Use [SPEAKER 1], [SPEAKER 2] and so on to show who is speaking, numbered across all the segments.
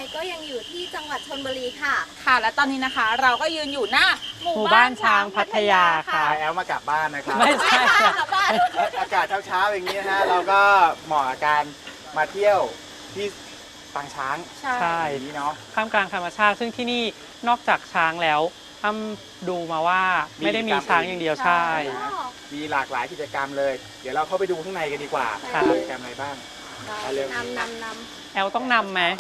[SPEAKER 1] ยก็ยังอยู่ที่จังหวัดชลบุรีค่ะ
[SPEAKER 2] ค่ะและตอนนี้นะคะเราก็ยืนอยู่หน้าหมู่
[SPEAKER 3] หมู่
[SPEAKER 2] บ้า
[SPEAKER 3] บ้าน น
[SPEAKER 2] ช้า
[SPEAKER 3] ช้าง ง
[SPEAKER 2] พั
[SPEAKER 3] พั
[SPEAKER 2] ท
[SPEAKER 3] ท
[SPEAKER 2] ยาย
[SPEAKER 3] า
[SPEAKER 2] ค่ะ
[SPEAKER 3] ค่ะ
[SPEAKER 4] แอลมากลับบ้านนะครับ
[SPEAKER 3] ไม่ใช่ค่ะ
[SPEAKER 2] กลับบ้าน
[SPEAKER 4] อากาศเช้าๆอย่างนี้นะฮะเราก็เหมาะกับการมาเที่ยวที่ปางช้าง
[SPEAKER 3] ใช่
[SPEAKER 4] อย่างนี้เนาะ
[SPEAKER 3] ท่ามกลางธรรมชาติซึ่งที่นี่นอกจากช้างแล้วอ้ำดูมาว่าไม่ได้มีช้างอย่างเดียวใช่
[SPEAKER 4] มีหลากหลายกิจกรรมเลย เดี๋ยวเราเข้าไปดูข้างในกันดีกว่า
[SPEAKER 3] ค่ะ
[SPEAKER 4] กิจกรรมอะไรบ้างไปเร็วน
[SPEAKER 3] แอลต้องนำไหม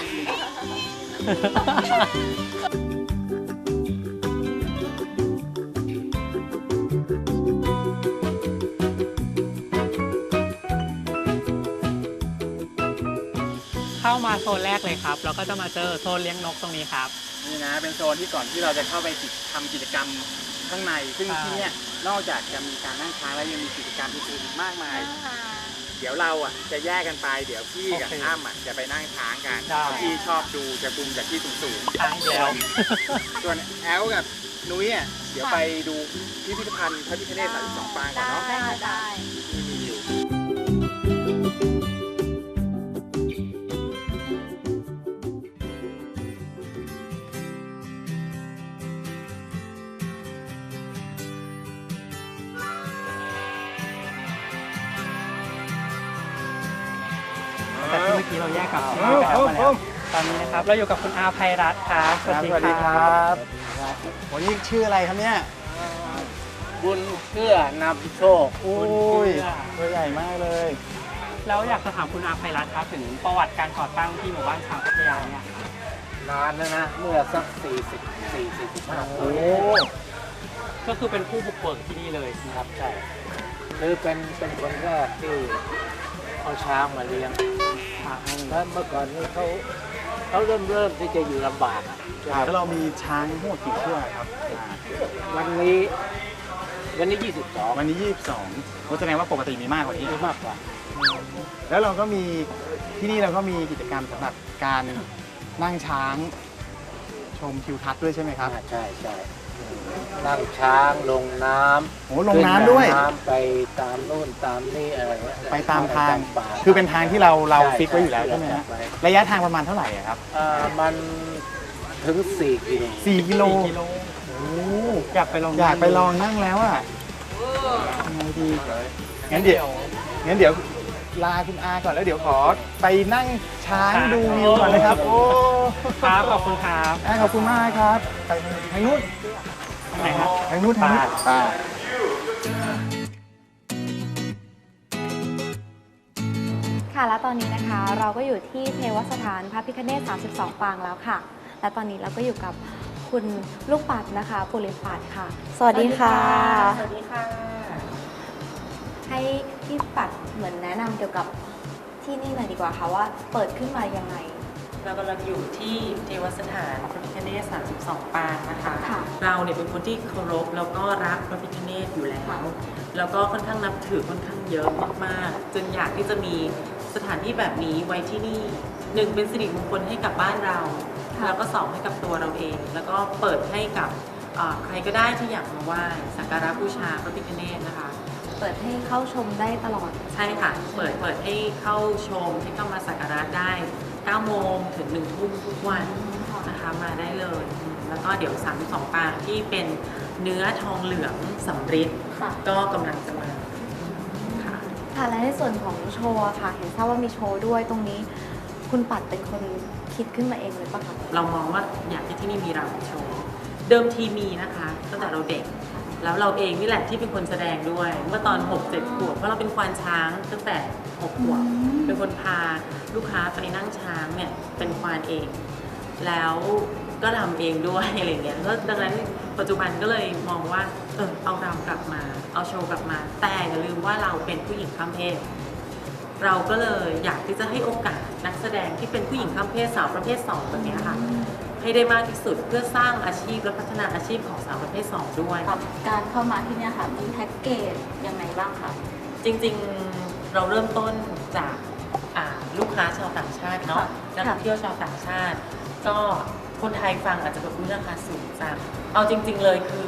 [SPEAKER 3] เข้ามาโซนแรกเลยครับแล้วก็จะมาเจอโซนเลี้ยงนกตรงนี้ครับ
[SPEAKER 4] นี่นะเป็นโซนที่ก่อนที่เราจะเข้าไปทำกิจกรรมข้างใน ซึ่ง
[SPEAKER 3] ใช่
[SPEAKER 4] ที่เนี่ยนอกจากจะมีการนั่งช้างแล้วยังมีกิจกรรมอื่นๆอีกมากมาย เดี๋ยวเราอ่ะจะแยกกันไปเดี๋ยวพี่กับอ้ำอ่ะจะไปนั่งช้างกัน
[SPEAKER 3] ได้
[SPEAKER 4] พี่ชอบดูจะบุมจากที่สูง
[SPEAKER 3] ช้างอีกแล้ว
[SPEAKER 4] ๆส่วนแอลกับนุ้ยอ่ะเดี๋ยวไปดูพิพิธภัณฑ์พระพิฆเนศ32 ปางก่อนเนาะ
[SPEAKER 1] ได้
[SPEAKER 4] ที่มีอยู่
[SPEAKER 3] แต่ที่เมื่อกี้เราแยกกับพี่แป๊บมาแล้วตอนนี้นะครับเราอยู่กับคุณอาภัยรัตน์ครับ
[SPEAKER 4] สวัสดีครับวันนี้ชื่ออะไรครับเนี่ย
[SPEAKER 5] บุญเพื่อนำโชค
[SPEAKER 4] โอ้ยตัวใหญ่มากเลย
[SPEAKER 3] แล้วอยากจะถามคุณอาภัยรัตน์ครับถึงประวัติการก่อตั้งที่หมู่บ้านช้างพัทยาเนี่ย
[SPEAKER 5] นานแล้วนะ เมื่อสัก45
[SPEAKER 4] โอ้
[SPEAKER 3] ก็คือเป็นผู้บุกเบิกที่นี่เลย
[SPEAKER 5] ครับใช่คือเป็นคนแรกที่เอาช้างมาเลี้ยงแล้วเมื่อก่อนนี้เขาเริ่มที่จะอยู่ลำบากอะ
[SPEAKER 4] แล้วเรามีช้างทั้งหมดกี่เชือกครับ
[SPEAKER 5] วันนี้ 22
[SPEAKER 4] วันนี้ 22ก็แสดงว่าปกติมีมากกว่านี้
[SPEAKER 5] มีมากกว่า
[SPEAKER 4] แล้วเราก็มีที่นี่เราก็มีกิจกรรมสำหรับการนั่งช้างชมทิวทัศน์ด้วยใช่ไหมครับ
[SPEAKER 5] ใช่นั่งช้างลงน้ำ
[SPEAKER 4] โอ้ลงน้ำด้วย
[SPEAKER 5] ขึ้นน้ำไปตามนู่นตามนี่อะไรเงี้ย
[SPEAKER 4] ไปตามทาง
[SPEAKER 5] ป่า
[SPEAKER 4] คือเป็นทางที่เรา
[SPEAKER 5] ใช่
[SPEAKER 4] ฟิกไว้อยู่แล้วใช่ไหมฮะ
[SPEAKER 5] ใช่
[SPEAKER 4] ระยะทางประมาณเท่าไหร่อะครับ
[SPEAKER 5] มันถึง4 กิโล
[SPEAKER 4] 4 กิโล
[SPEAKER 3] 4 กิโล
[SPEAKER 4] โอ้
[SPEAKER 3] อยากไปลอง
[SPEAKER 4] อยากไปลองนั่งแล้วอะยังไงดีงั้นเดี๋ยวลาคุณอาก่อนแล้วเดี๋ยวขอไปนั่งช้างดูวิวก่อนนะครับโอ้
[SPEAKER 3] ครับขอบคุณครับ
[SPEAKER 4] ขอบคุณมากครับไปทางนู้น
[SPEAKER 3] ไหนครับ
[SPEAKER 4] ทางนู้นไป
[SPEAKER 1] ค่ะและตอนนี้นะคะเราก็อยู่ที่เทวสถานพระพิฆเนศ32 ปางแล้วค่ะ และตอนนี้เราก็อยู่กับคุณลูกปัดนะคะปุริปัดค่ะ สวัสดีค่ะ
[SPEAKER 2] สวัสดีค่ะ
[SPEAKER 1] ให้พี่ปัดเหมือนแนะนำเกี่ยวกับที่นี่หน่อยดีกว่าค่ะว่าเปิดขึ้นมายังไง
[SPEAKER 6] เรากำลังอยู่ที่เทวสถานพระพิฆเนศ32 ปางนะคะ
[SPEAKER 1] ค่ะ
[SPEAKER 6] เราเนี่ยเป็นคนที่เคารพแล้วก็รักพระพิฆเนศอยู่แล้ว แล้วก็ค่อนข้างนับถือค่อนข้างเยอะมากๆจนอยากที่จะมีสถานที่แบบนี้ไว้ที่นี่หนึ่งเป็นสิริมงคลให้กับบ้านเรา แล้วก็สองให้กับตัวเราเอง แล้วก็เปิดให้กับใครก็ได้ที่อยากมาไหว้สักการะบูชาพระพิฆเนศนะคะ
[SPEAKER 1] เปิดให้เข้าชมได้ตลอด
[SPEAKER 6] ใช่ค่ะ เปิดให้เข้าชมให้เข้ามาสักการะได้ 9 โมงถึง 1 ทุ่มทุกวันนะคะมาได้เลย แล้วก็เดี๋ยว32 ปางที่เป็นเนื้อทองเหลืองสำริด
[SPEAKER 1] ค่ะ
[SPEAKER 6] ก็กำลังจะมาค่ะ
[SPEAKER 1] ค่ะและในส่วนของโชว์อะค่ะ เห็นทราบว่ามีโชว์ด้วยตรงนี้ คุณปัดเป็นคนคิดขึ้นมาเองเลยปะคะ
[SPEAKER 6] เรามองว่าอยากให้ที่นี่มีรำโชว์ เดิมทีมีนะคะตั้งแต่เราเด็ก แล้วเราเองนี่แหละที่เป็นคนแสดงด้วย เมื่อตอน 6-7 ขวบเพราะเราเป็นควานช้างตั้งแต่ 6 ขวบ เป็นคนพาลูกค้าไปนั่งช้างเนี่ยเป็นควานเอง แล้วก็รำเองด้วยอะไรเงี้ยก็ดังนั้นปัจจุบันก็เลยมองว่าเอารำกลับมา เอาโชว์กลับมา แต่อย่าลืมว่าเราเป็นผู้หญิงข้ามเพศ เราก็เลยอยากที่จะให้โอกาสนักแสดงที่เป็นผู้หญิงข้ามเพศสาวประเภท2แบบนี้ค่ะ ให้ได้มากที่สุดเพื่อสร้างอาชีพและพัฒนาอาชีพของสาวประเภท2ด้วย
[SPEAKER 1] การเข้ามาที่นี่ค่ะมีแพ็กเกจยังไงบ้างคะ
[SPEAKER 6] จริงๆเราเริ่มต้นจากลูกค้าชาวต่างชาติเนาะนักท่องเที่ยวชาวต่างชาติ ก็คนไทยฟังอาจจะแบบราคาสูงจังเอาจริงๆเลยคือ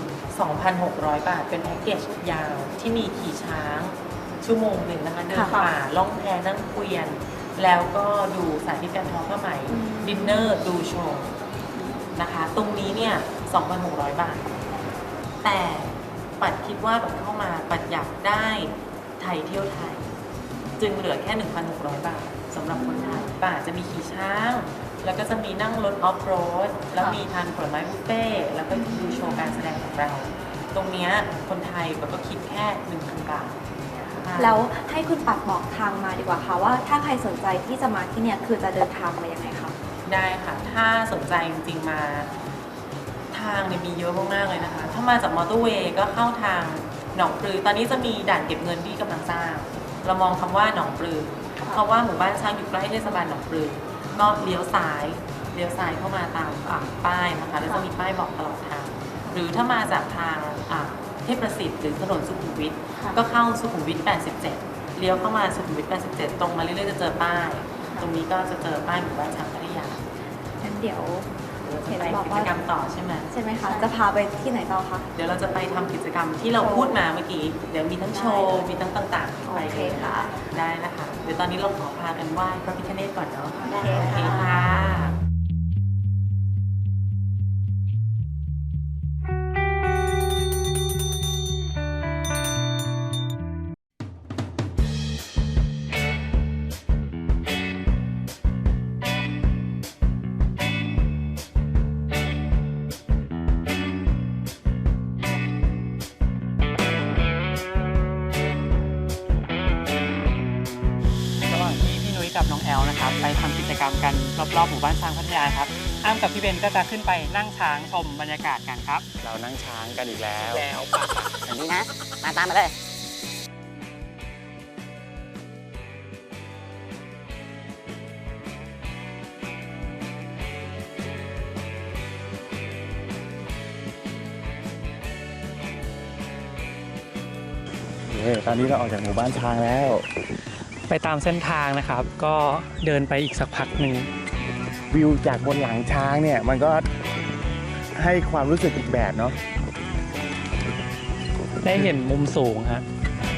[SPEAKER 6] 2,600 บาทเป็นแพ็กเกจยาวที่มีขี่ช้างชั่วโมงหนึ่งนะคะเดินป่าล่องแพนั่งเกวียนแล้วก็ดูสาธิตการทอผ้าไหมดินเนอร์ดูโชว์นะคะตรงนี้เนี่ย 2,600 บาท แต่ปัดคิดว่าปัดเข้ามาปัดอยากได้ไทยเที่ยวไทย จึงเหลือแค่ 1,600 บาทสำหรับคนไทยป่าจะมีขี่ช้าง แล้วก็จะมีนั่งรถออฟโรดแล้วมีทานผลไม้บุฟเฟ่ต์แล้วก็ดูโชว์การแสดงของเรา ตรงเนี้ยคนไทยก็คิดแค่ 1,000 บาท
[SPEAKER 1] แล้วให้คุณปัดบอกทางมาดีกว่าค่ะว่าถ้าใครสนใจที่จะมาที่เนี่ยคือจะเดินทางมายังไงคะ
[SPEAKER 6] ได้ค่ะ ถ้าสนใจจริงๆมาทางเนี่ยมีเยอะมากๆเลยนะคะ ถ้ามาจากมอเตอร์เวย์ก็เข้าทางหนองปลือ ตอนนี้จะมีด่านเก็บเงินที่กำลังสร้าง เรามองคำว่าหนองปลือ เพราะว่าหมู่บ้านช้างอยู่ใกล้เทศบาลหนองปลือ ก็เลี้ยวซ้ายเข้ามาตามป้ายนะคะ แล้วจะมีป้ายบอกตลอดทาง หรือถ้ามาจากทางเทพประสิทธิ์หรือถนนสุขุมวิทก็เข้าสุขุมวิท 87 เลี้ยวเข้ามาสุขุมวิท 87 ตรงมาเรื่อยๆจะเจอป้าย ตรงนี้ก็จะเจอป้ายหมู่บ้านช้างพัทยา
[SPEAKER 1] งั้นเดี๋ยว เห็น
[SPEAKER 6] ไป
[SPEAKER 1] บอก
[SPEAKER 6] กิ
[SPEAKER 1] ว่า
[SPEAKER 6] จกรรมต่อใช่ไหม
[SPEAKER 1] ใช่ไหมคะ จะพาไปที่ไหนต่อคะ
[SPEAKER 6] เดี๋ยวเราจะไปทำกิจกรรมที่เราพูดมาเมื่อกี้ เดี๋ยวมีทั้งโชว์ มีทั้งต่างๆ ไป
[SPEAKER 1] โอเคค่ะ
[SPEAKER 6] ได้นะคะ เดี๋ยวตอนนี้เราขอพากันไหว้พระพิฆเนศก่อนเนาะ
[SPEAKER 1] ได้
[SPEAKER 6] โอเคค่ะ
[SPEAKER 3] ระหว่างที่พี่นุ้ยกับน้องแอลนะครับไปทำกิจกรรมกันรอบๆหมู่บ้านช้างพัทยาครับอ้ำกับพี่เบนก็จะขึ้นไปนั่งช้างชมบรรยากาศกันครับ
[SPEAKER 4] เรานั่งช้างกันอีกแล้ว
[SPEAKER 7] อย่างนี้นะ มาตามมาเลย
[SPEAKER 4] ตอนนี้เราออกจากหมู่บ้านช้างแล้ว
[SPEAKER 3] ไปตามเส้นทางนะครับ ก็เดินไปอีกสักพักหนึ่ง
[SPEAKER 4] วิวจากบนหลังช้างเนี่ยมันก็ให้ความรู้สึกอีกแบบเนาะ
[SPEAKER 3] ได้เห็นมุมสูงฮะ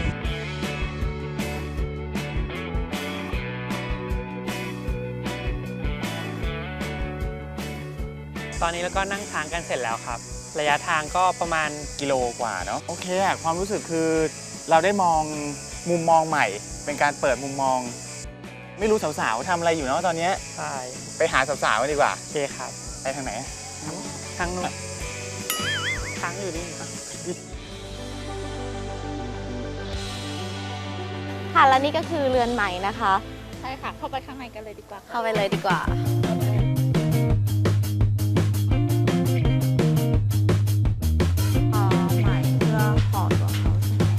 [SPEAKER 3] ตอนนี้แล้วก็นั่งช้างกันเสร็จแล้วครับ ระยะทางก็ประมาณ
[SPEAKER 4] กิโลกว่าเนาะโอเคอะความรู้สึกคือเราได้มองมุมมองใหม่ เป็นการเปิดมุมมอง ไม่รู้สาวๆทำอะไรอยู่เนาะตอนเนี้ย
[SPEAKER 3] ใช่
[SPEAKER 4] ไปหาสาวๆกันดีกว่า
[SPEAKER 3] โอเคครับ
[SPEAKER 4] ไปทางไหน
[SPEAKER 3] ทางนู้นช้างอยู่นี่ครับ
[SPEAKER 1] ค่ะ และนี่ก็คือเรือนไหมนะคะ
[SPEAKER 2] ใช่ค่ะ เข้าไปข้างในกันเลยดีกว่า
[SPEAKER 1] เข้าไปเลยดีกว่า ไหมเพื่อขอตัวเขาใช่ไหม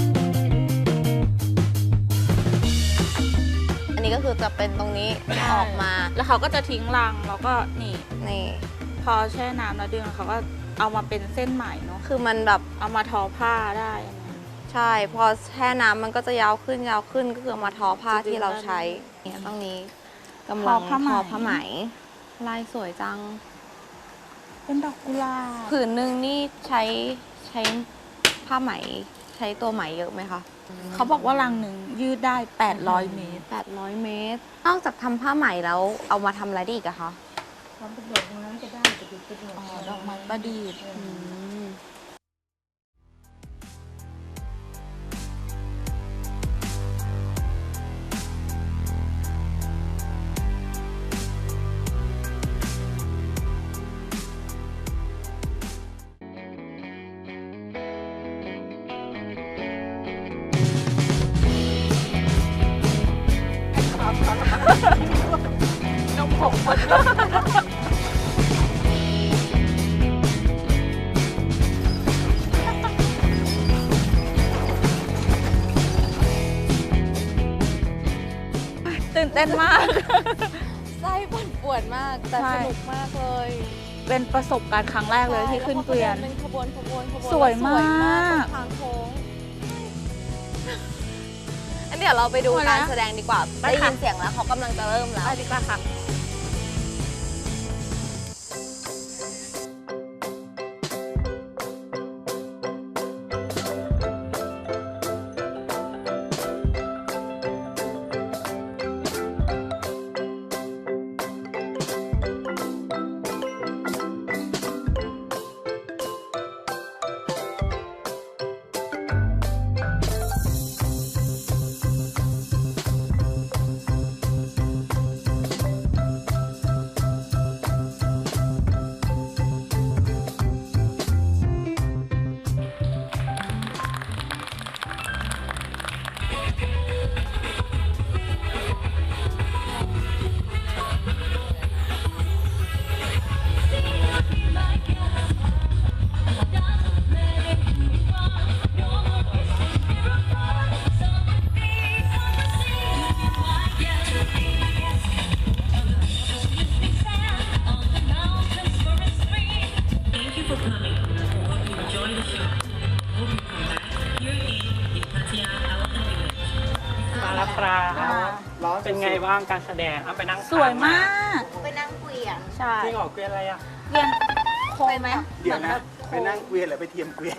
[SPEAKER 1] อันนี้ก็คือจะเป็นตรงนี้ออกมา
[SPEAKER 2] แล้วเขาก็จะทิ้งรังแล้วก็นี่
[SPEAKER 1] นี่
[SPEAKER 2] พอแช่น้ำแล้วดึงเขาก็เอามาเป็นเส้นไหมเนาะ
[SPEAKER 1] คือมันแบบ
[SPEAKER 2] เอามาทอผ้าได้อันนี้
[SPEAKER 1] ใช่ พอแช่น้ำมันก็จะยาวขึ้นก็คือเอามาทอผ้าที่เราใช้ เนี่ยตรงนี้กำลังทอผ้าไหม ลายสวยจัง
[SPEAKER 2] เป็นดอกกุหลาบ
[SPEAKER 1] ผืนหนึ่งนี่ใช้ผ้าไหม ใช้ตัวไหมเยอะไหมคะ
[SPEAKER 2] เขาบอกว่ารังหนึ่งยืดได้ 800 เมตร
[SPEAKER 1] 800 เมตร นอกจากทำผ้าไหมแล้วเอามาทำอะไรได้อีกอะคะ
[SPEAKER 2] อ๋อ ดอกไม้ประดิษฐ์ ตื่นเต้นมาก
[SPEAKER 1] ไส้ปั่นป่วนมาก แต่
[SPEAKER 2] ใช่
[SPEAKER 1] สนุกมากเลย
[SPEAKER 2] เป็นประสบการณ์ครั้งแรกเลยที่ขึ้นเกวียน
[SPEAKER 1] เป็นขบวน
[SPEAKER 2] สวยมาก
[SPEAKER 1] ตรงทางโค้งอันเดี๋ยวเราไปดูการแสดงดีกว่า
[SPEAKER 2] ไป
[SPEAKER 1] ได้
[SPEAKER 2] ค่ะ
[SPEAKER 1] ยินเสียงแล้วเขากำลังจะเริ่มแล้ว
[SPEAKER 2] ไปดีกว่าค่ะ
[SPEAKER 3] มาแล้วครับเป็นไงบ้างการแสดงอ้ำไปนั่ง
[SPEAKER 2] สวยมาก
[SPEAKER 1] ไปนั่งเกวียน
[SPEAKER 2] ใช่
[SPEAKER 3] จริงเหรอเกวียนอะไรอ่ะ
[SPEAKER 2] เรียนโค้งไหม
[SPEAKER 4] เดี๋ยวนะไปนั่งเกวียนหรือไปเทียมเกวียน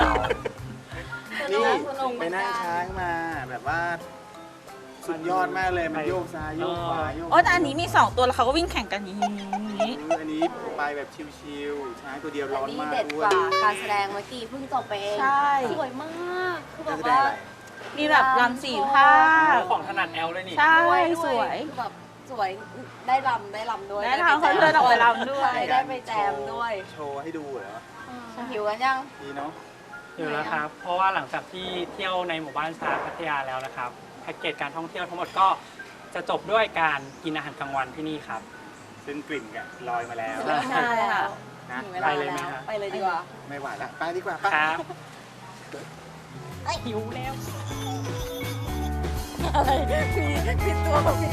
[SPEAKER 4] นี่ไปนั่งช้างมาแบบว่าสุดยอดมากเลยมันโยกซ้ายโยกขวาโยก
[SPEAKER 2] โอ้แต่อันนี้มี2ตัวแล้วเขาก็วิ่งแข่งกันอย่างนี้
[SPEAKER 4] อันนี้ไปแบบชิวๆช้างตัวเดียวร้อน
[SPEAKER 1] นี่
[SPEAKER 4] มาก
[SPEAKER 1] เด็ด
[SPEAKER 4] ด้
[SPEAKER 1] ก
[SPEAKER 4] วย
[SPEAKER 1] ว่าการแสดงเมื่อกี้เพิ่งจบไปเอง
[SPEAKER 2] ใช่
[SPEAKER 1] สวยมากคือแบ
[SPEAKER 4] การ
[SPEAKER 1] บ
[SPEAKER 4] แสดง
[SPEAKER 1] ว่า
[SPEAKER 4] อะไร
[SPEAKER 2] มีแบบรำ4 ภาค
[SPEAKER 3] ของถนัดแอลเลยนี่
[SPEAKER 2] ใช่
[SPEAKER 1] ด้วย
[SPEAKER 2] สวย
[SPEAKER 1] คือแบบสวยได้รำด้วย
[SPEAKER 2] ได้ทางเขาเดินออกไปรำด้วย
[SPEAKER 1] ใช่ได้ไปแจมด้วย
[SPEAKER 4] โชว์ให้ดูเหรอ
[SPEAKER 1] หิวกันยัง
[SPEAKER 4] ดีเนาะ
[SPEAKER 3] อยู่แล้วครับ เพราะว่าหลังจากที่เที่ยวในหมู่บ้านช้างพัทยาแล้วนะครับแพ็กเกจการท่องเที่ยวทั้งหมดก็จะจบด้วยการกินอาหารกลางวันที่นี่ครับ
[SPEAKER 4] ซึ่งกลิ่นก็ลอยมาแล้ว
[SPEAKER 2] ใช่ค่ะ
[SPEAKER 4] นะ
[SPEAKER 1] ถึงเวลา
[SPEAKER 3] ไปเลยไหม
[SPEAKER 1] แล้ว
[SPEAKER 3] ฮะ
[SPEAKER 1] ไปเลยดีกว่า
[SPEAKER 4] ไม่ไหวละไปดีกว่าไป
[SPEAKER 3] ครับหิวแล้ว
[SPEAKER 2] อะไรมีตัวแบบนี้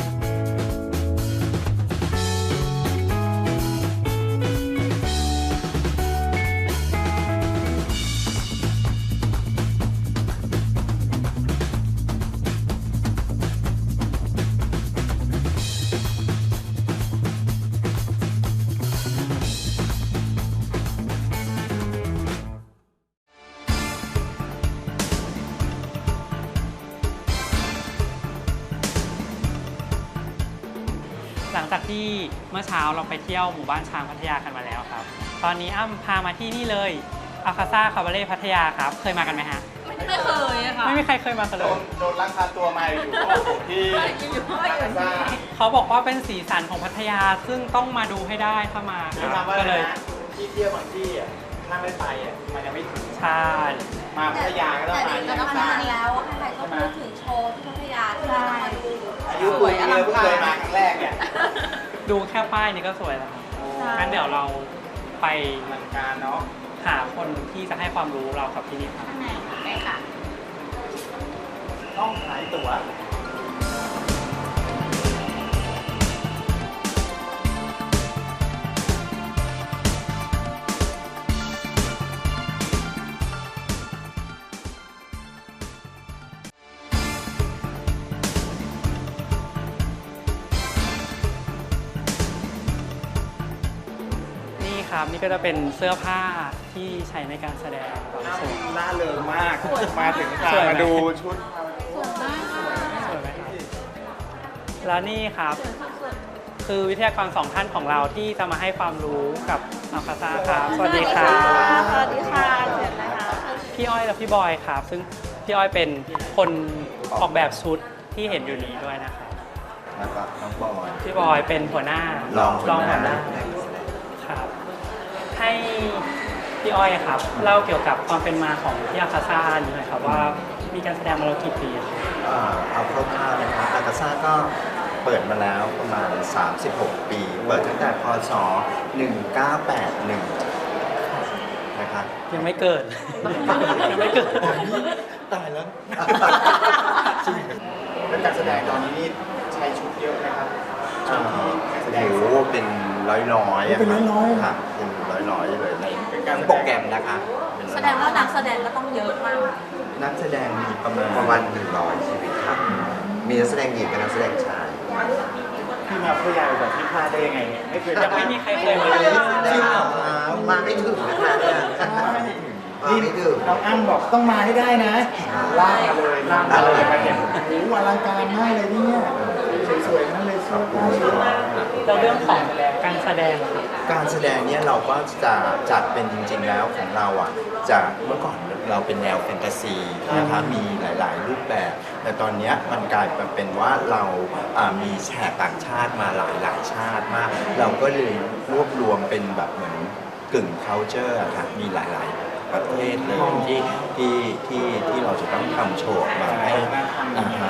[SPEAKER 3] หลังจากที่เมื่อเช้าเราไปเที่ยวหมู่บ้านช้างพัทยากันมาแล้วครับ ตอนนี้อ้ำพามาที่นี่เลยอาคาซ่าคาบาเล่พัทยาครับ เคยมากันไหมฮะ
[SPEAKER 2] ไม่เคยอะค่ะ
[SPEAKER 3] ไม่มีใครเคยมากัน
[SPEAKER 4] โด
[SPEAKER 3] เลย
[SPEAKER 4] นลักพาตัวมาอยู่โอ้โหที่อาคาซ่า
[SPEAKER 3] เขาบอกว่าเป็นสีสันของพัทยาซึ่งต้องมาดูให้ได้ถ้ามาค
[SPEAKER 4] คือ
[SPEAKER 3] รับ
[SPEAKER 4] ทำว่า
[SPEAKER 3] ก็เลย
[SPEAKER 4] นะที่เที่ยวบางที่อ่ะถ้าไม่ไปอ่ะมันจะไม่ถึง
[SPEAKER 3] ใช่
[SPEAKER 4] มาพัทยาก็ต้องมา
[SPEAKER 1] แต่
[SPEAKER 4] ที่
[SPEAKER 1] ก็
[SPEAKER 4] อาคา
[SPEAKER 1] นา
[SPEAKER 4] ซ่าน
[SPEAKER 1] แล้วใครๆก็พูดถึงโชว์ที่พัทยาที่เรามาดู
[SPEAKER 4] อายุคุยกันเลยเพิ่งเคยมาครั้งแรกเนี่ย
[SPEAKER 3] ดูแค่ป้ายนี้ก็สวยแล้วครับงั้นเดี๋ยวเราไป
[SPEAKER 4] อลังการเนาะ
[SPEAKER 3] หาคนที่จะให้ความรู้เรากับที่นี่ครับ
[SPEAKER 2] ไปค่ะ
[SPEAKER 4] ต้องขายตั๋ว
[SPEAKER 3] นี่ครับนี่ก็จะเป็นเสื้อผ้าที่ใช้ในการแสดงบางส่วน
[SPEAKER 4] ล่าเริงมาก มาถึงพา
[SPEAKER 3] สวยไหม
[SPEAKER 4] มาดูชุด
[SPEAKER 3] สวยไหมครับแล้วนี่ครับ คือวิทยากร2 ท่านของเราที่จะมาให้ความรู้กับอัลคาซ่าครับ สวัสดีครับ
[SPEAKER 2] สวัสดีค่ะเชิญเลยค่ะ
[SPEAKER 3] พี่อ้อยและพี่บอยครับ ซึ่งพี่อ้อยเป็นคนออกแบบชุดที่เห็นอยู่นี้ด้วยนะครับ
[SPEAKER 8] แล้วก็น้องบอย
[SPEAKER 3] พี่บอยเป็นหัวหน้าร
[SPEAKER 8] องหัวหน้า
[SPEAKER 3] ครับ ให้พี่อ้อยครับเล่าเกี่ยวกับความเป็นมาของที่อาคาซ่านี้หน่อยครับว่ามีการแสดงมาแล้วกี่ปีครับ
[SPEAKER 8] เอาคร่าวๆนะครับอากาซ่าก็เปิดมาแล้วประมาณ 36 ปี เปิดตั้งแต่พศ 1981 นะครับ
[SPEAKER 3] ยังไม่เกิด ยังไม่เกิด
[SPEAKER 8] ตายแล้ว
[SPEAKER 4] แล้วการแสดงตอนนี้นี่ใช้ชุดเยอะนะครับชุดที่การแสดง
[SPEAKER 8] โอ้โหเป็นร้อยๆ
[SPEAKER 4] เป็นร้อยๆ
[SPEAKER 8] ครับเป็นร้อยๆเลยใน
[SPEAKER 4] เป็นการแสดง
[SPEAKER 8] โปรแกรมนะคะเป็น
[SPEAKER 2] แสดงว่านักแสดงก็ต้องเยอะมาก
[SPEAKER 8] นักแสดงมีประมาณ100 ชีวิตครับ มีนักแสดงหญิงกับนักแสดงชาย
[SPEAKER 4] ที่มาพัทยาแบบที่พลาดได้ยังไงเนี่ยไม่เคย
[SPEAKER 3] ยังไม่มีใครเคยมาเลย
[SPEAKER 8] จริงเหรอมาไม่ถึงนะคะเนี่ยมาไม่ถึง
[SPEAKER 4] น้องอ้ำบอกต้องมาให้ได้นะลากมาเลยลากมาเลยมาเห็นโอ้โหอลังการมากเลยที่เนี่ยสวยๆนั่นเลยเสื้อผ้าชุด
[SPEAKER 3] แล้วเรื่องของการแสดงครับ
[SPEAKER 8] การแสดงเนี่ยเราก็จะจัดเป็นจริงๆแล้วของเราอ่ะจะเมื่อก่อนเราเป็นแนวแฟนตาซีนะคะมีหลายๆรูปแบบ แต่ตอนเนี้ยมันกลายมาเป็นว่าเรามีแขกต่างชาติมาหลายๆชาติมาก เราก็เลยรวบรวมเป็นแบบเหมือนกึ่ง culture อะค่ะมีหลายๆประเทศเลยที่เราจะต้องทำโชว์ออกมาให้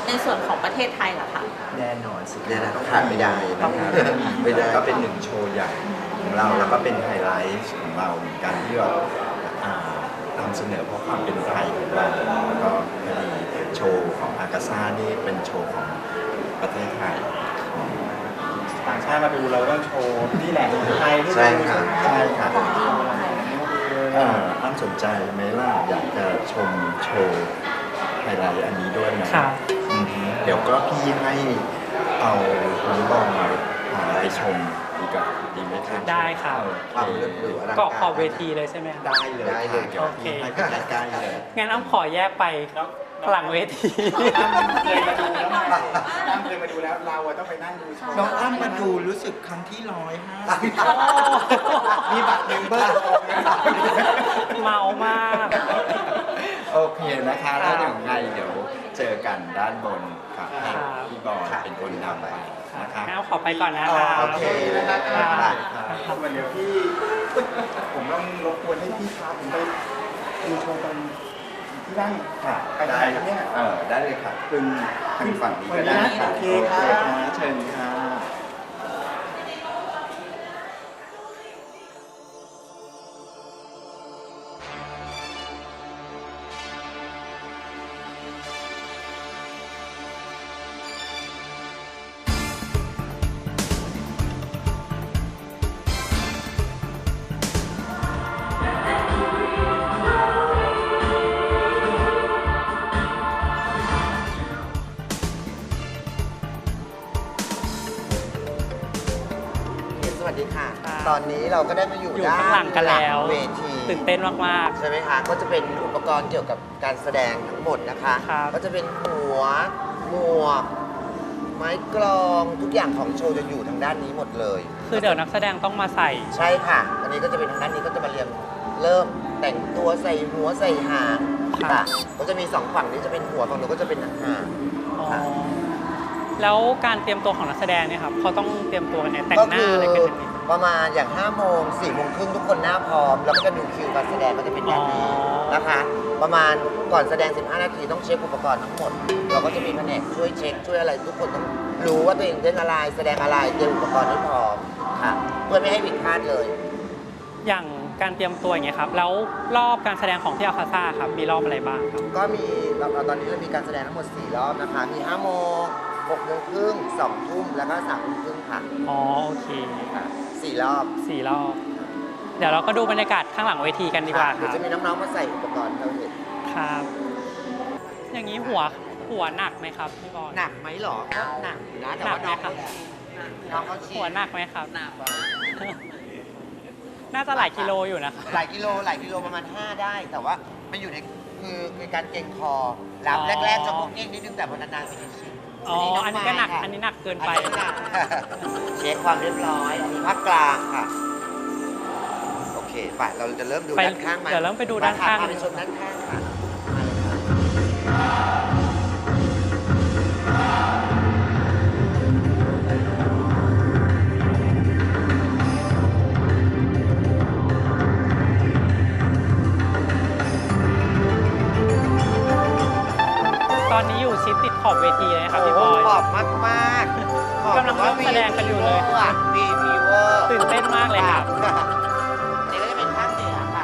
[SPEAKER 2] ในส่วนของประเทศไทยล่ะคะ
[SPEAKER 8] แน่นอนสิแน่นอนขาดไม่ได้นะครับไม่ได้ก็เป็นหนึ่งโชว์ใหญ่ของเราแล้วก็เป็นไฮไลท์ของเราเหมือนกันที่เรานำเสนอเพราะความเป็นไทยของเราแล้วก็พอดีโชว์ของอากาซ่านี่เป็นโชว์ของประเทศไทย
[SPEAKER 4] ต่างชาติมาดูเราต้องโชว์นี่แหละไทยที่
[SPEAKER 8] ใช่ค่ะใช่ค่ะ
[SPEAKER 1] ของดีของไทย
[SPEAKER 8] อ้ำสนใจไหมล่ะอยากจะชมโชว์ไฮไลท์อันนี้ด้วยนะครับ อือฮึเดี๋ยวก็พี่ให้เอาน้องบอลไปชมดีกว่าดีไหมครับ
[SPEAKER 3] ได้ครับ
[SPEAKER 8] ความเลือดหรืออะไร
[SPEAKER 3] เกาะขอบเวทีเลยใช่ไหมครับ
[SPEAKER 8] ได้เลยได้เลยเดี๋ยวพี่ให้ไปใกล้ๆเลย
[SPEAKER 3] งั้นอ้ำขอแยกไปหลังเวที
[SPEAKER 4] เคยมาดูแล้วน้ำเคยมาดูแล้วเราอะต้องไปนั่งดูโชว์
[SPEAKER 8] น้องอ้ำมาดูรู้สึกครั้งที่150
[SPEAKER 4] มีบัตรเมมเบอร์ออกเลย
[SPEAKER 3] เมามาก
[SPEAKER 8] โอเคนะคะแล้วอย่างไงเดี๋ยวเจอกันด้านบนครับให้
[SPEAKER 3] ครับ
[SPEAKER 8] พี่บอลเป็นคนนำไปนะคะ
[SPEAKER 3] งั้นอ้ำขอไปก่อนนะครับ
[SPEAKER 8] โอเคนะครับ
[SPEAKER 3] ครับ
[SPEAKER 4] วันเดี๋ยวพี่ ผมต้องรบกวนให้พี่พาผมไปดูโชว์ตรงที่นั่ง
[SPEAKER 8] ค่ะ
[SPEAKER 4] ไปไหนครับเนี่ย
[SPEAKER 8] ได้เลยค่ะขึ้นทางฝั่งนี้ก็ได้ค่ะ
[SPEAKER 4] โอเคครับ
[SPEAKER 8] เชิญค่ะ
[SPEAKER 9] สวัสดีค่ะ
[SPEAKER 3] ครับ
[SPEAKER 9] ตอนนี้เราก็ได้มาอยู่
[SPEAKER 3] อยู่
[SPEAKER 9] ด้าน
[SPEAKER 3] ข้างหลังกันแล้ว
[SPEAKER 9] เวที
[SPEAKER 3] ตื่นเต้นมาก
[SPEAKER 9] ใช่ไหมคะ ก็จะเป็นอุปกรณ์เกี่ยวกับการแสดงทั้งหมดนะคะ
[SPEAKER 3] ครับ
[SPEAKER 9] ก็จะเป็นหัว หมวก ไม้กลองทุกอย่างของโชว์จะอยู่ทางด้านนี้หมดเลย
[SPEAKER 3] ๆ คือเดี๋ยวนักแสดงต้องมาใส่
[SPEAKER 9] ใช่ค่ะ อันนี้ก็จะเป็นทางด้านนี้ก็จะมาเริ่มแต่งตัวใส่หัวใส่หาง
[SPEAKER 3] ครับ
[SPEAKER 9] ค่ะ ก็จะมีสองฝั่งนี้จะเป็นหัวฝั่งนู้นก็จะเป็นหาง
[SPEAKER 3] อ๋อ
[SPEAKER 9] ค่ะ
[SPEAKER 3] แล้วการเตรียมตัวของนักแสดงเนี่ยครับเขาต้องเตรียมตัวกันเนี่ยแต่ง
[SPEAKER 9] ก็
[SPEAKER 3] หน้า
[SPEAKER 9] คือ
[SPEAKER 3] อะไรกันยังไง
[SPEAKER 9] ประมาณอย่าง5 โมง 4 โมงครึ่งทุกคนหน้าพร้อม แล้วก็จะดูคิวการแสดงก็จะเป็นแบบนี้
[SPEAKER 3] อ๋อ
[SPEAKER 9] นะคะ ประมาณก่อนแสดง 15 นาทีต้องเช็คอุปกรณ์ทั้งหมด เราก็จะมีแผนกช่วยเช็คช่วยอะไรทุกคนต้องรู้ว่าตัวเองเล่นอะไรแสดงอะไรเตรียมอุปกรณ์ให้พร้อมค่ะเพื่อไม่ให้ผิดพลาดเลย
[SPEAKER 3] อย่างการเตรียมตัวอย่างเงี้ยครับ แล้วรอบการแสดงของที่อัลคาซ่าครับ มีรอบอะไรบ้างครับ
[SPEAKER 9] ก็มีตอนนี้เรามีการแสดงทั้งหมด 4 รอบนะคะ มี 5 โมง 6 โมงครึ่ง 2 ทุ่ม แล้วก็ 3 ทุ่มครึ่งค่ะ
[SPEAKER 3] อ๋อ โอเค
[SPEAKER 9] ค่ะ4 รอบ
[SPEAKER 3] 4 รอบ เดี๋ยวเราก็ดูบรรยากาศข้างหลังเวทีกันดีกว่าค
[SPEAKER 9] เดี๋ย
[SPEAKER 3] รั
[SPEAKER 9] ว
[SPEAKER 3] บ
[SPEAKER 9] จะมีน้องๆมาใส่อุปกรณ์ให้เราเห็น
[SPEAKER 3] ครับ อย่างนี้หัวหนักไหมครับพี่บอล
[SPEAKER 9] หนักไหมหรอก็หนักอยู่นะแต่ว่า
[SPEAKER 3] หนั
[SPEAKER 9] น้อก ง
[SPEAKER 3] ไหมครับ
[SPEAKER 9] น้องเขาชิ
[SPEAKER 3] หัวหนักไหมครับ
[SPEAKER 9] หนัก
[SPEAKER 3] น่าจะหลายกิโลอยู่นะครับ
[SPEAKER 9] หลายกิโลประมาณ 5 ได้ แต่ว่ามันอยู่ในคือการเกร็งคอรับ
[SPEAKER 3] อ๋อ
[SPEAKER 9] แรกๆจะพกเก้งนิดนึงแต่พอนานๆไปจะชิน
[SPEAKER 3] อ๋อ อันนี้ก็หนัก
[SPEAKER 9] ค่ะ
[SPEAKER 3] อันนี้หนักเกินไป
[SPEAKER 9] อันนี้หนัก เช็คความเรียบร้อย อันนี้ภาคกลางค่ะ โอเคไปเราจะเริ่มดู
[SPEAKER 3] ไป
[SPEAKER 9] ด้านข้างไหม
[SPEAKER 3] เดี๋ยวเริ่มไปดูด้านข้าง
[SPEAKER 9] พาไปชมด้านข้างค่ะมาเลยค่ะ
[SPEAKER 3] ตอนนี้อยู่ชิดติดขอบเวทีเลยนะครับพี่บอย
[SPEAKER 9] ขอบมากๆขอบ
[SPEAKER 3] กำลังเริ่มแสดงกันอยู่เลย
[SPEAKER 9] วีพีเวอร์
[SPEAKER 3] ตื่นเต้นมากเลยครับ
[SPEAKER 9] นี่ก็จะเป็นภาคเหนือค่ะ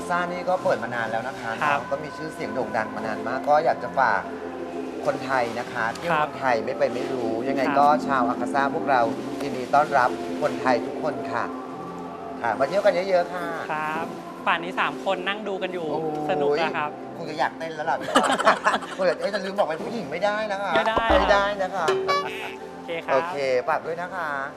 [SPEAKER 9] าซ่านี่ก็เปิดมานานแล้วนะคะ
[SPEAKER 3] ครับ
[SPEAKER 9] ก็มีชื่อเสียงโด่งดังมานานมาก ก็อยากจะฝากคนไทยนะคะเที่ยว
[SPEAKER 3] ครับ
[SPEAKER 9] เมืองไทยไม่ไปไม่รู้ ยังไง
[SPEAKER 3] ครับ
[SPEAKER 9] ก็ชาวอากาซ่าพวกเรายินดีต้อนรับคนไทยทุกคนค่ะ ค่ะมาเที่ยวกันเยอะๆค่ะ
[SPEAKER 3] ครับป่านนี้ 3 คนนั่งดูกันอยู่
[SPEAKER 9] โอ้ย
[SPEAKER 3] สนุกนะครับ
[SPEAKER 9] คงจะอยากเต้นแล้วล่ะพี่ว่าคนจะจะลืมบอกเป็นผู้หญิงไม่ได้นะคะ
[SPEAKER 3] ไม่ได้
[SPEAKER 9] ไม่ได้นะคะ
[SPEAKER 3] โอเคครั
[SPEAKER 9] โอบ เคฝากด้วยนะคะ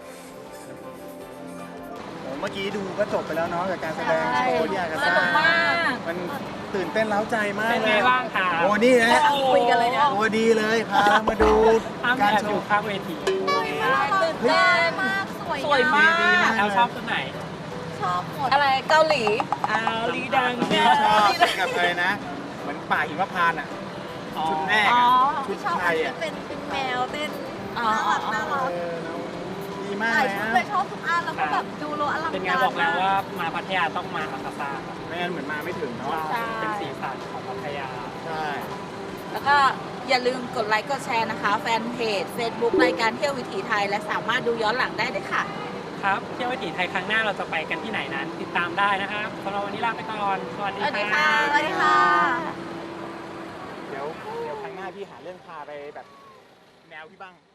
[SPEAKER 4] เมื่อกี้ดูก็จบไปแล้วเนาะกับการแสดงโชว์ที่อากา
[SPEAKER 2] ส
[SPEAKER 4] ซ่า
[SPEAKER 2] นุกมาก
[SPEAKER 4] มันตื่นเต้นเล้าใจมาก
[SPEAKER 3] เป็น
[SPEAKER 4] เล
[SPEAKER 3] ไง
[SPEAKER 4] ย
[SPEAKER 3] บ้างครับ
[SPEAKER 4] โอ้นี่นะ
[SPEAKER 2] คุยกันเลยเนี่ย
[SPEAKER 4] โอ้ดีเลยพาเรามาดู
[SPEAKER 3] ห้าม
[SPEAKER 4] การ
[SPEAKER 3] แอบ
[SPEAKER 4] โช
[SPEAKER 3] อยู่
[SPEAKER 4] ว์
[SPEAKER 3] ข้างเวที
[SPEAKER 2] ตื่นเต้นมาก สวยมาก
[SPEAKER 4] ดีมาก
[SPEAKER 3] แอลชอบตัวไหน
[SPEAKER 2] ชอบหมด อะไรเกาหลี
[SPEAKER 3] ลีดัง
[SPEAKER 4] ที่ชอบกับอะไรนะ เหมือนป่าหิมพานต์อ่ะ ชุดแรก
[SPEAKER 2] อ๋อ
[SPEAKER 4] อะชุดไทยอ่ะ
[SPEAKER 1] เป็นแมวเต้น
[SPEAKER 2] อ๋อ
[SPEAKER 1] น่ารัก
[SPEAKER 4] ดีมาก
[SPEAKER 1] หลาย
[SPEAKER 4] เลย
[SPEAKER 1] ชุด
[SPEAKER 4] นะ
[SPEAKER 1] เลยชอบทุกอันแล้วก็แบบดูโลอลัง
[SPEAKER 3] เป็นไง
[SPEAKER 1] การ
[SPEAKER 3] บอกแล้ว
[SPEAKER 1] มาก
[SPEAKER 3] ว่ามาพัทยาต้องมาอากาซ่าครับ
[SPEAKER 4] ไม่งั้นเหมือนมาไม่ถึงเนาะ
[SPEAKER 3] เป็นสีสันของพัทยา
[SPEAKER 4] ใช่
[SPEAKER 2] แล้วก็อย่าลืมกดไลค์กดแชร์นะคะ แฟนเพจ Facebook รายการเที่ยววิถีไทย และสามารถดูย้อนหลังได้ด้วยค่ะ
[SPEAKER 3] ครับเที่ยววิถีไทยครั้งหน้าเราจะไปกันที่ไหนนั้น ติดตามได้นะครับสำหรับวันนี้ลาไปก่อน สวัสดี
[SPEAKER 2] สวัสดี
[SPEAKER 3] ครั
[SPEAKER 2] ค่ะ
[SPEAKER 3] บ
[SPEAKER 1] สวัสดีค่ะ
[SPEAKER 4] เดี๋ยวครั้งหน้าพี่หาเรื่องพาไปแบบแนวพี่บ้าง